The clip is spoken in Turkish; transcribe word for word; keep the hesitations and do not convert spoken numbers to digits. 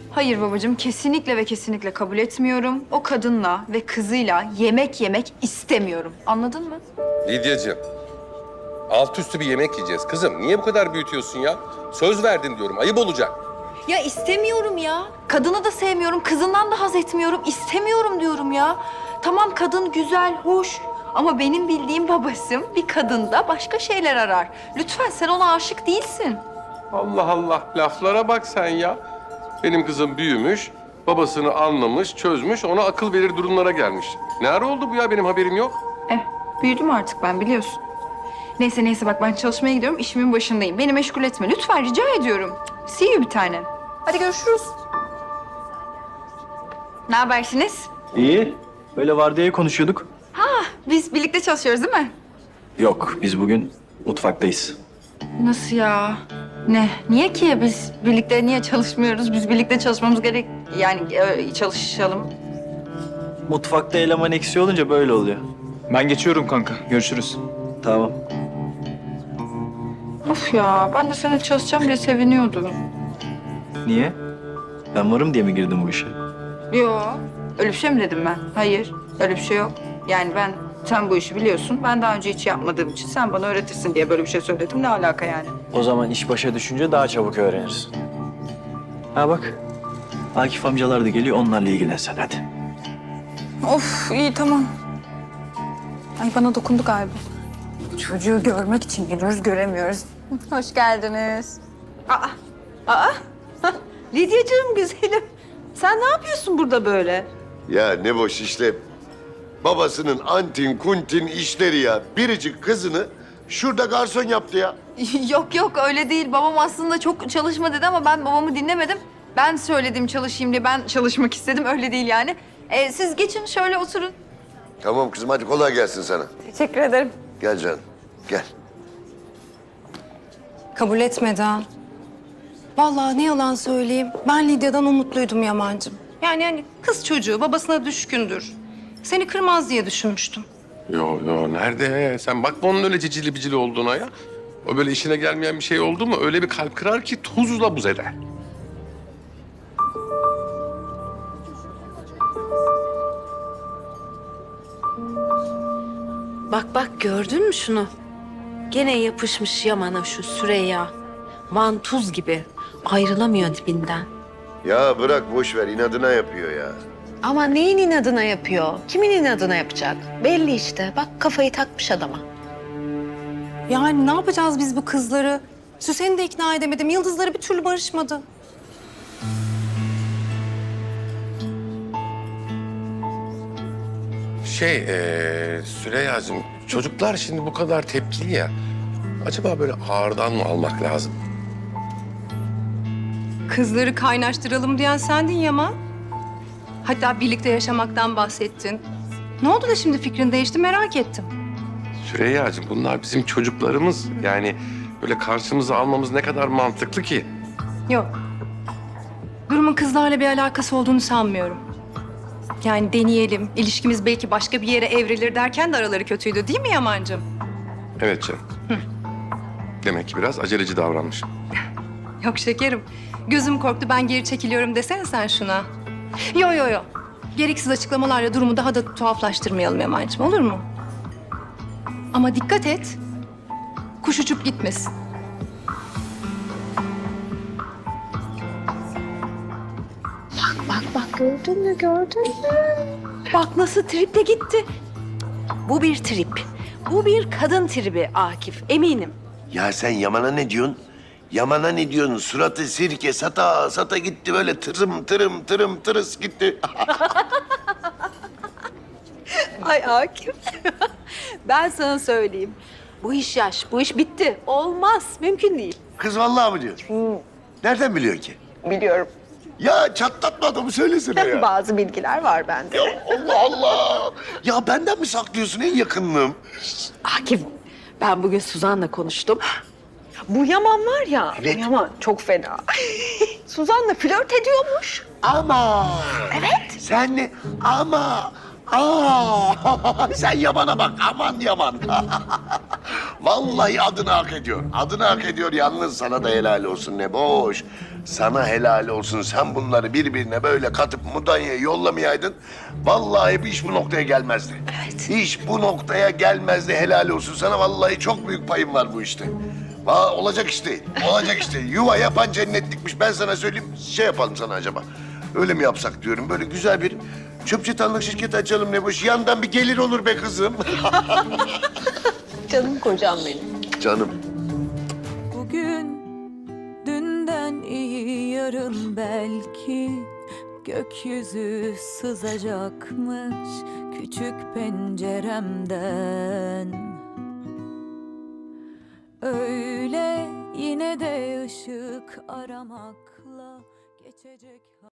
Hayır babacığım, kesinlikle ve kesinlikle kabul etmiyorum. O kadınla ve kızıyla yemek yemek istemiyorum. Anladın mı? Lidyacığım, alt üstü bir yemek yiyeceğiz. Kızım niye bu kadar büyütüyorsun ya? Söz verdin diyorum, ayıp olacak. Ya istemiyorum ya. Kadını da sevmiyorum, kızından da haz etmiyorum. İstemiyorum diyorum ya. Tamam, kadın güzel, hoş. Ama benim bildiğim babasım bir kadında başka şeyler arar. Lütfen, sen ona aşık değilsin. Allah Allah, laflara bak sen ya. Benim kızım büyümüş, babasını anlamış, çözmüş, ona akıl verir durumlara gelmiş. Ne ara oldu bu ya, benim haberim yok. Eh, büyüdüm artık ben, biliyorsun. Neyse neyse bak, ben çalışmaya gidiyorum, işimin başındayım. Beni meşgul etme lütfen, rica ediyorum. See you bir tanem. Hadi görüşürüz. Ne habersiniz? İyi. Böyle vardiyayı konuşuyorduk. Biz birlikte çalışıyoruz değil mi? Yok, biz bugün mutfaktayız. Nasıl ya? Ne? Niye ki? Biz birlikte niye çalışmıyoruz? Biz birlikte çalışmamız gerek... Yani e, çalışalım. Mutfakta eleman eksiği olunca böyle oluyor. Ben geçiyorum kanka. Görüşürüz. Tamam. Of ya, ben de seninle çalışacağım diye seviniyordum. Niye? Ben varım diye mi girdim bu işe? Yo, öyle bir şey mi dedim ben? Hayır, öyle bir şey yok. Yani ben, sen bu işi biliyorsun. Ben daha önce hiç yapmadığım için sen bana öğretirsin diye böyle bir şey söyledim. Ne alaka yani? O zaman iş başa düşünce daha çabuk öğrenirsin. Ha bak, Akif amcalar da geliyor, onlarla ilgilen sen hadi. Of, iyi tamam. Ay bana dokundu galiba. Çocuğu görmek için geliyoruz, göremiyoruz. Hoş geldiniz. Aa, aa. Lidyacığım güzelim. Sen ne yapıyorsun burada böyle? Ya ne boş işlem. Babasının antin kuntin işleri ya. Biricik kızını şurada garson yaptı ya. Yok yok, öyle değil. Babam aslında çok çalışma dedi ama ben babamı dinlemedim. Ben söyledim çalışayım diye, ben çalışmak istedim. Öyle değil yani. Ee, siz geçin şöyle oturun. Tamam kızım hadi kolay gelsin sana. Teşekkür ederim. Gel canım gel. Kabul etmedi ha. Vallahi ne yalan söyleyeyim. Ben Lidya'dan umutluydum Yaman'cığım. Yani hani kız çocuğu babasına düşkündür. Seni kırmaz diye düşünmüştüm. Yo yo, nerede? Sen bakma onun öyle cicili bicili olduğuna ya. O böyle işine gelmeyen bir şey oldu mu öyle bir kalp kırar ki tuzla buz eder. Bak bak gördün mü şunu? Gene yapışmış Yaman'a şu Süreyya. Vantuz gibi. Ayrılamıyor dibinden. Ya bırak boş ver inadına yapıyor ya. Ama neyin inadına yapıyor? Kimin inadına yapacak? Belli işte. Bak kafayı takmış adama. Yani ne yapacağız biz bu kızları? Süsen'i de ikna edemedim. Yıldızları bir türlü barışmadı. Şey, ee, Süreyya'cığım, çocuklar şimdi bu kadar tepkili ya. Acaba böyle ağırdan mı almak lazım? Kızları kaynaştıralım diyen sendin Yaman. Hatta birlikte yaşamaktan bahsettin. Ne oldu da şimdi fikrin değişti merak ettim. Süreyya'cığım, bunlar bizim çocuklarımız. Yani böyle karşımıza almamız ne kadar mantıklı ki? Yok. Durumun kızlarla bir alakası olduğunu sanmıyorum. Yani deneyelim, ilişkimiz belki başka bir yere evrilir derken de araları kötüydü değil mi Yaman'cığım? Evet canım. Demek ki biraz aceleci davranmış. Yok şekerim. Gözüm korktu, ben geri çekiliyorum desene sen şuna. Yo yo yo. Gereksiz açıklamalarla durumu daha da tuhaflaştırmayalım Yaman'cığım, olur mu? Ama dikkat et. Kuş uçup gitmesin. Bak bak gördün mü gördün mü? Bak nasıl triple gitti. Bu bir trip. Bu bir kadın tribi Akif eminim. Ya sen Yaman'a ne diyorsun? Yaman'a ne diyorsun? Suratı sirke sata sata gitti böyle tırım tırım tırım tırıs gitti. Ay Akif. Ben sana söyleyeyim. Bu iş yaş, bu iş bitti. Olmaz, mümkün değil. Kız vallahi mı diyor? Nereden biliyor ki? Biliyorum. Ya çatlatma adamı söylesene ya. Bazı bilgiler var bende. Ya Allah Allah. Ya benden mi saklıyorsun en yakınlığım? Akif, ben bugün Suzan'la konuştum. Bu Yaman var ya, Evet. bu Yaman çok fena. Suzan'la flört ediyormuş. Ama. Evet. Sen ne? Ama. Aa. Sen Yaman'a bak aman Yaman. Vallahi adını hak ediyor. Adını hak ediyor yalnız sana da helal olsun ne boş. Sana helal olsun. Sen bunları birbirine böyle katıp Mudanya'ya yollamayaydın. Vallahi bir iş bu noktaya gelmezdi. Evet. İş bu noktaya gelmezdi. Helal olsun sana. Vallahi çok büyük payım var bu işte. Va olacak iş değil. Olacak iş değil. Yuva yapan cennetlikmiş. Ben sana söyleyeyim. Şey yapalım sana acaba. Öyle mi yapsak diyorum. Böyle güzel bir çöp çatanlık şirketi açalım ne boş. Yandan bir gelir olur be kızım. Canım kocam benim. Canım. Bugün dünden iyi yarın belki gökyüzü sızacakmış küçük penceremden. Öyle yine de ışık aramakla geçecek.